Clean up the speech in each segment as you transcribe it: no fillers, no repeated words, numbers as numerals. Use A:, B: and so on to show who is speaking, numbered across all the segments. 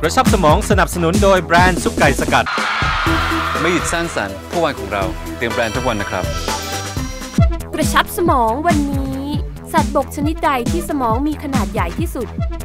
A: กระชับสมองสนับสนุนโดยแบรนด์ซุปไก่สกัด
B: ไม่หยุดสร้างสรรค์ทุกวันของเราเตรียมแบรนด์ทุกวันนะครับ
C: กระชับสมองวันนี้สัตว์บกชนิดใดที่สมองมีขนาดใหญ่ที่สุด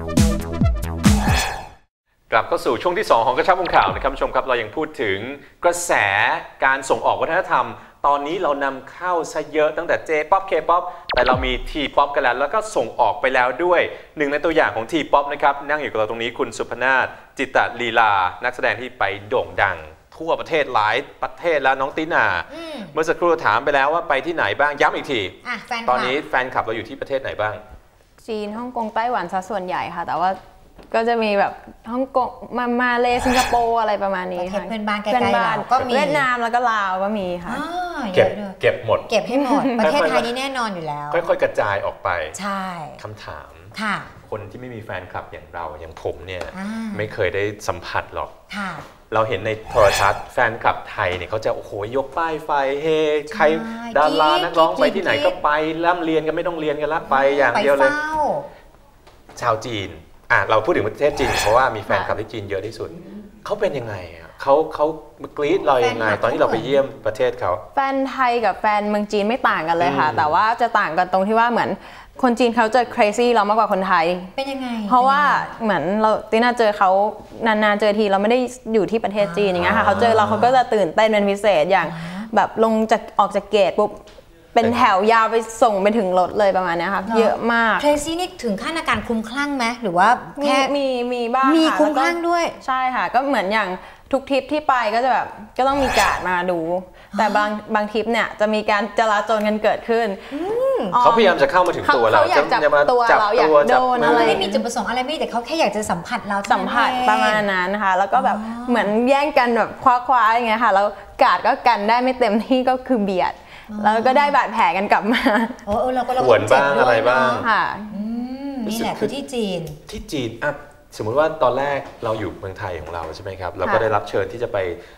A: กลับเข้าสู่ช่วงที่2ของกระชับวงข่าวนะครับผู้ชมครับเรายังพูดถึงกระแสการส่งออกวัฒนธรรมตอนนี้เรานำเข้าซะเยอะตั้งแต่ J-POP K-POP แต่เรามี T-POP กันแล้วก็ส่งออกไปแล้วด้วยหนึ่งในตัวอย่างของ T-POP นะครับนั่งอยู่กับเราตรงนี้คุณสุพนาถจิตตลีลานักแสดงที่ไปโด่งดังทั่วประเทศหลายประเทศแล้วน้องตินาเมื่อสักครู่ถามไปแล้วว่าไปที่ไหนบ้างย้ำอีกทีตอนนี้แฟนคลับเราอยู่ที่ประเทศไหนบ้าง
D: จีนฮ่องกงไต้หวันซะส่วนใหญ่ค่ะแต่ว่าก็จะมีแบบฮ่องกงมาเลสิงคโปร์อะไรประมาณนี้ค่ะ
E: เพื่อนบ้านใกล้ๆเราก็มี
D: เวียดนามแล้วก็ลาวก็มีค่ะ
A: เก็บหมด
E: เก็บให้หมดประเทศไทยนี่แน่นอนอยู่แล้ว
A: ค่อยๆกระจายออกไป
E: ใช่
A: คำถาม
E: ค่ะ
A: คนที่ไม่มีแฟนคลับอย่างเราอย่างผมเนี่ยไม่เคยได้สัมผัสหรอก
E: ค่ะ
A: เราเห็นในโทรทัศน์แฟนคลับไทยเนี่ยเขาจะโอ้โหยกป้ายไฟเฮใครดารานักร้องไปที่ไหนก็ไปร่ำเรียนกันไม่ต้องเรียนกันละไปอย่างเดียวเลยชาวจีนเราพูดถึงประเทศจีนเพราะว่ามีแฟนคลับที่จีนเยอะที่สุดเขาเป็นยังไงเขากรี๊ดเรายังไงตอนที่เราไปเยี่ยมประเทศเขา
D: แฟนไทยกับแฟนเมืองจีนไม่ต่างกันเลยค่ะแต่ว่าจะต่างกันตรงที่ว่าเหมือนคนจีนเขาจะ crazy เรามากกว่าคนไทย
E: เป็นยังไง
D: เพราะว่าเหมือนเราติน่าเจอเขานานๆเจอทีเราไม่ได้อยู่ที่ประเทศจีนอย่างเงี้ยค่ะเขาเจอเราเขาก็จะตื่นเต้นเป็นพิเศษอย่างแบบออกจากเกตปุ๊บเป็นแถวยาวไปส่งไปถึงรถเลยประมาณนี้ค่ะเยอะมาก
E: crazy นี่ถึงขั้นอาการคลุ้มคลั่งไหมหรือว่าแค่
D: มีบ้าง
E: มีคลุ้มคลั่งด้วย
D: ใช่ค่ะก็เหมือนอย่างทุกทริปที่ไปก็จะแบบก็ต้องมีการ์ดมาดูแต่บางทริปเนี่ยจะมีการจลาจลกันเกิดขึ้น
A: เขาพยายามจะเข้ามาถึงตัวเรา
D: จะมาตัวเราอยากโดนอะไร
E: ไม่มีจุดประสงค์อะไรไม่แต่เขาแค่อยากจะสัมผัสเรา
D: สัมผัสประมาณนั้นนะคะแล้วก็แบบเหมือนแย่งกันแบบคว้าอย่างเงี้ยค่ะแล้วการ์ดก็กันได้ไม่เต็มที่ก็คือเบียดแล้วก็ได้บาดแผลกันกลับมา
E: เราก็
A: หวนบ้างอะไรบ้าง
D: ค่ะ
E: นี่แหละคือที่จีน
A: สมมุติว่าตอนแรกเราอยู่เมืองไทยของเราใช่ไหมครับเราก็ได้รับเชิญที่จะ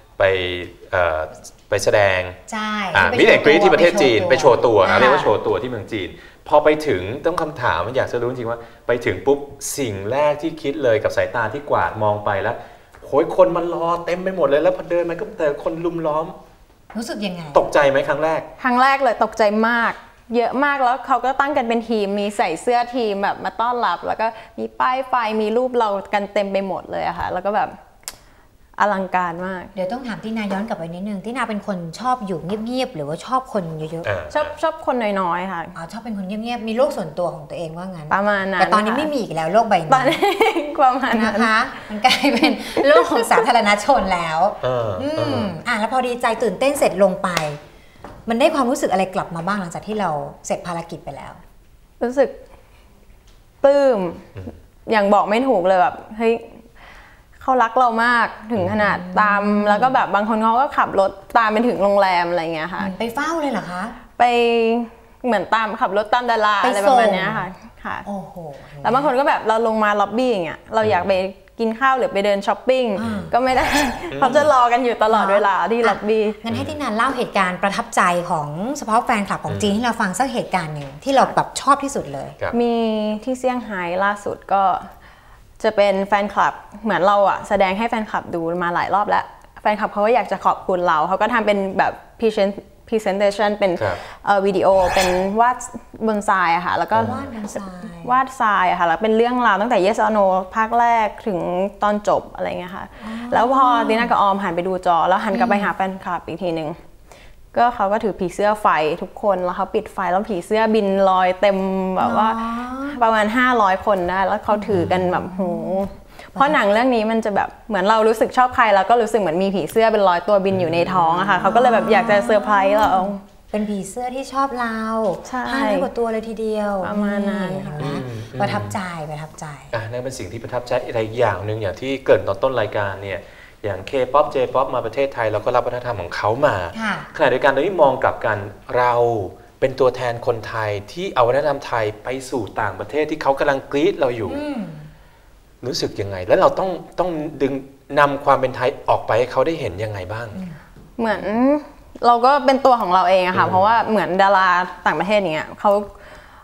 A: ไปแสดง
E: ใช่
A: มิเตกรีที่ประเทศจีนไปโชว์ตัวเรียกว่าโชว์ตัวที่เมืองจีนพอไปถึงต้องคำถามอยากจะรู้จริงว่าไปถึงปุ๊บสิ่งแรกที่คิดเลยกับสายตาที่กวาดมองไปแล้วโหยคนมันรอเต็มไปหมดเลยแล้วพอเดินมันก็แต่คนลุมล้อม
E: รู้สึกยังไง
A: ตกใจไหมครั้งแรก
D: เลยตกใจมากเยอะมากแล้วเขาก็ตั้งกันเป็นทีมมีใส่เสื้อทีมแบบมาต้อนรับแล้วก็มีป้ายไฟมีรูปเรากันเต็มไปหมดเลยอะค่ะแล้วก็แบบอลังการมาก
E: เดี๋ยวต้องถามตินาย้อนกลับไปนิดนึงตินาเป็นคนชอบอยู่เงียบๆหรือว่าชอบคนเยอะ
D: ๆชอบคนน้อยๆค่ะ
E: ชอบเป็นคนเงียบๆมีโลกส่วนตัวของตัวเองว่างั้น
D: ประมาณนั้น
E: แต่ตอนนี้ไม่มีอีกแล้วโลกใบนี้
D: ตอนนี้ประมาณนั้น
E: นะคะมันกลายเป็นโลกของสาธารณชนแล้วแล้วพอดีใจตื่นเต้นเสร็จลงไปมันได้ความรู้สึกอะไรกลับมาบ้างหลังจากที่เราเสร็จภารกิจไปแล้ว
D: รู้สึกปลื้มอย่างบอกไม่ถูกเลยแบบเฮ้ยเขารักเรามากถึงขนาดตามแล้วก็แบบบางคนเขาก็ขับรถตามไปถึงโรงแรมอะไรเงี้ยค่ะ
E: ไปเฝ้าเลยเหรอคะ
D: ไปเหมือนตามขับรถตามดาราอะไรประมาณนี้ค่ะ
E: โอ้โห
D: แล้วบางคนก็แบบเราลงมาล็อบบี้อย่างเงี้ยเราอยากไปกินข้าวหรือไปเดินช้อปปิ้งก็ไม่ได้เขาจะรอกันอยู่ตลอดเวลาที่ล็อบบี้
E: งั้นให้ที่นันเล่าเหตุการณ์ประทับใจของเฉพาะแฟนคลับของจีนที่เราฟังสักเหตุการณ์หนึ่งที่เราแบบชอบที่สุดเลย
D: มีที่เซี่ยงไฮ้ล่าสุดก็จะเป็นแฟนคลับเหมือนเราอะแสดงให้แฟนคลับดูมาหลายรอบแล้วแฟนคลับเขาก็อยากจะขอบคุณเราเขาก็ทำเป็นแบบ presentation เป็นวิดีโอเป็นวาดบนทรายอะค่ะแล้วก็วาดทรายอะค่ะแล้วเป็นเรื่องราวตั้งแต่ Yes or No ภาคแรกถึงตอนจบอะไรเงี้ยค่ะแล้วพอติน่ากับออมหันไปดูจอแล้วหันกลับไปหาแฟนคลับอีกทีนึงก็เขาก็ถือผีเสื้อไฟทุกคนแล้วเขาปิดไฟแล้วผีเสื้อบินลอยเต็มแบบว่าประมาณ500คนได้แล้วเขาถือกันแบบโหเพราะหนังเรื่องนี้มันจะแบบเหมือนเรารู้สึกชอบใครแล้วก็รู้สึกเหมือนมีผีเสื้อเป็น100ตัวบินอยู่ในท้องอะค่ะเขาก็เลยแบบอยากจะเซอร์ไพรส์เรา
E: เป็นผีเสื้อที่ชอบเรา500 กว่าตัวเลยทีเดียว
D: ประมาณนั้น
E: ประทับใจ
A: นั่นเป็นสิ่งที่ประทับใจอะไรอย่างหนึ่งอย่างที่เกิดตอนต้นรายการเนี่ยอย่าง K-POP J-POP มาประเทศไทยเราก็รับวัฒนธรรมของเขามาขณะเดียวกันโดยที่มองกลับกันเราเป็นตัวแทนคนไทยที่เอาวัฒนธรรมไทยไปสู่ต่างประเทศที่เขากำลังกรี๊ดเราอยู่รู้สึกยังไงแล้วเราต้องดึงนำความเป็นไทยออกไปให้เขาได้เห็นยังไงบ้าง
D: เหมือนเราก็เป็นตัวของเราเองอะค่ะเพราะว่าเหมือนดาราต่างประเทศอย่างเงี้ยเขา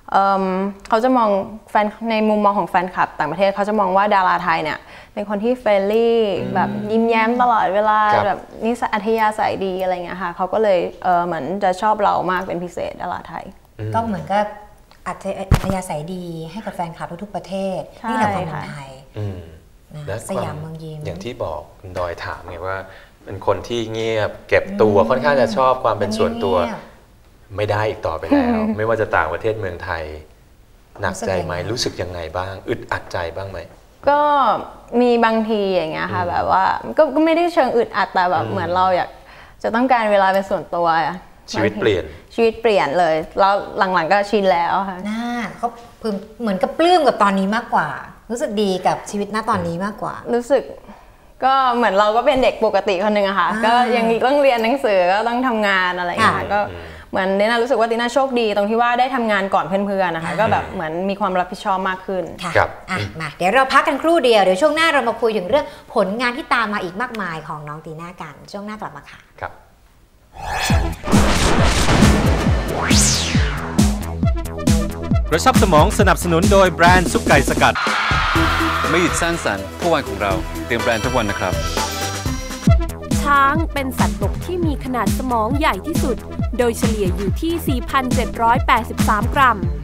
D: เขาจะมองแฟนในมุมมองของแฟนคลับต่างประเทศเขาจะมองว่าดาราไทยเนี่ยเป็นคนที่เฟรนลี่แบบยิ้มแย้มตลอดเวลาแบบนิสัยอัธยาศัยดีอะไรเงี้ยค่ะเขาก็เลยเหมือนจะชอบเรามากเป็นพิเศษดาราไทย
E: ก็เหมือนกับอัธยาศัยดีให้กับแฟนคลับทุกๆประเทศนี่แหละความเป็นไทย
A: และ
E: สยามเมืองยิ้ม
A: อย่างที่บอกคุณดอยถามไงว่าเป็นคนที่เงียบเก็บตัวค่อนข้างจะชอบความเป็นส่วนตัวไม่ได้อีกต่อไปแล้ว ไม่ว่าจะต่างประเทศเมืองไทยหนักใจไหมรู้สึกยังไงบ้างอึดอัดใจบ้างไหม
D: ก็มีบางทีอย่างเงี้ยค่ะแบบว่าก็ไม่ได้เชิงอึดอัดแต่แบบเหมือนเราอยากจะต้องการเวลาเป็นส่วนตัว
A: ชีวิตเปลี่ยน
D: เลยแล้วหลังๆก็ชินแล้วค่ะ
E: เขาเหมือนกับปลื้มกับตอนนี้มากกว่ารู้สึกดีกับชีวิตณตอนนี้มากกว่า
D: รู้สึกก็เหมือนเราก็เป็นเด็กปกติคนหนึ่งอะค่ะก็ยังต้องเรียนหนังสือก็ต้องทำงานอะไรอย่างเงี้ยก็เหมือนติน่ารู้สึกว่าติน่าโชคดีตรงที่ว่าได้ทำงานก่อนเพื่อนๆนะคะก็แบบเหมือนมีความรับผิดชอบมากขึ้น
E: ค่ะมาเดี๋ยวเราพักกันครู่เดียวเดี๋ยวช่วงหน้าเรามาคุยถึงเรื่องผลงานที่ตามมาอีกมากมายของน้องตีน่ากันช่วงหน้ากลับมาค่ะ
A: ครับ
F: กระชับสมองสนับสนุนโดยแบรนด์ซุปไก่สกัด
B: ไม่หยุดสร้างสรรค์ผู้วันของเราเตรียมแบรนด์ทุกวันนะครับ
C: ช้างเป็นสัตว์บกที่มีขนาดสมองใหญ่ที่สุดโดยเฉลี่ยอยู่ที่ 4,783 กรัม